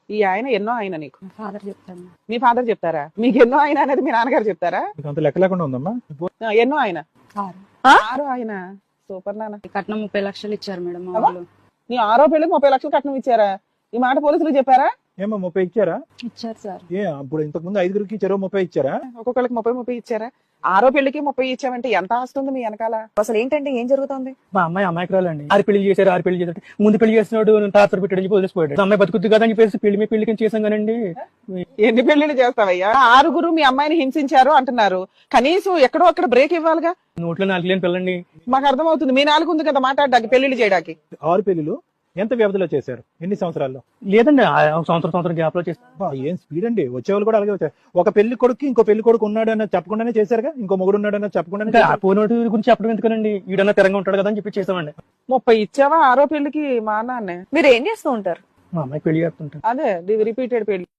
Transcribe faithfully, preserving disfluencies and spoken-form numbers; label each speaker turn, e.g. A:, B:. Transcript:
A: ఈ ఆయన ఎన్నో ఆయన నీకు?
B: ఫాదర్ చెప్తాను.
A: మీ ఫాదర్ చెప్తారా? మీకు ఎన్నో ఆయన అనేది మీ నాన్నగారు చెప్తారా?
C: అంత లెక్క లేకుండా ఉందమ్మా.
A: ఆ, ఎన్నో ఆయన?
B: ఆరు.
A: ఆరు ఆయన. సూపర్ నాన్న.
B: కట్నం ముప్పై లక్షలు ఇచ్చారు మేడం మా
A: అబ్బా.
B: వాళ్ళు.
A: నీ ఆరో పెళ్లికి ముప్పై లక్షలు కట్నం ఇచ్చారా? ఈ మాట పోలీసులు చెప్పారా?
C: ఏమో ముప్పై ఇచ్చారా?
B: ఇచ్చారు సార్.
C: ఏ అప్పుడు ఇంతకు ముందు ఐదుగురికి చెరువు ముప్పై ఇచ్చారా?
A: ఒక్కొక్కరికి ముప్పై ముప్పై ఇచ్చారా? ఆరో పెళ్లికి ముప్పై ఇచ్చామంటే ఎంత ఆస్తి ఉంది మీ వెనకాల? అసలు ఏంటంటే ఏం జరుగుతుంది?
D: మా అమ్మాయి అమాయకురాలు అండి. ఆరు పెళ్లి చేశారు, ఆరు పెళ్లి చేశారు. ముందు పెళ్లి చేసినాడు టార్చర్ పెట్టాడు, వదిలేసిపోయాడు. అమ్మాయి బతుకుద్దు కదా అని చెప్పేసి పెళ్లి మీద పెళ్లికి చేసాం కానండి.
A: ఎన్ని పెళ్లిళ్ళు చేస్తావయ్యా? ఆరుగురు మీ అమ్మాయిని హింసించారు అంటున్నారు. కనీసం ఎక్కడో అక్కడ బ్రేక్ ఇవ్వాలిగా.
D: నోట్లో నాలుగు లేని పిల్లండి.
A: మాకు అర్థమవుతుంది, మీ నాలుగు ఉంది కదా మాట్లాడడానికి, పెళ్లిళ్ళు చేయడానికి.
C: ఆరు పెళ్లిలు ఎంత వ్యవధిలో చేశారు? ఎన్ని సంవత్సరాల్లో?
D: లేదండి, ఆ సంవత్సరం సంవత్సరం గ్యాప్ లో చేస్తాం.
C: అబ్బా, ఏం స్పీడ్ అండి. వచ్చేవాళ్ళు కూడా అలాగే వచ్చారు. ఒక పెళ్లి కొడుకు ఇంకో పెళ్లి కొడుకు ఉన్నాడు అన్న చెప్పకుండానే చేశారుగా, ఇంకో మొగుడు ఉన్నాడు అన్న చెప్పకుండానే
D: ఆ పోనోటి గురించి చెప్పడం ఎందుకనండి, ఈడన్నా తిరంగా ఉంటాడు కదా అని చెప్పి చేసామండి.
A: ముప్పై ఇచ్చావా ఆరో పెళ్లికి? మా నాన్నే.
E: మీరు ఏం చేస్తూ ఉంటారు?
D: మా అమ్మాయి పెళ్లి చేస్తుంటాను.
A: అదే రిపీటెడ్ పెళ్లి.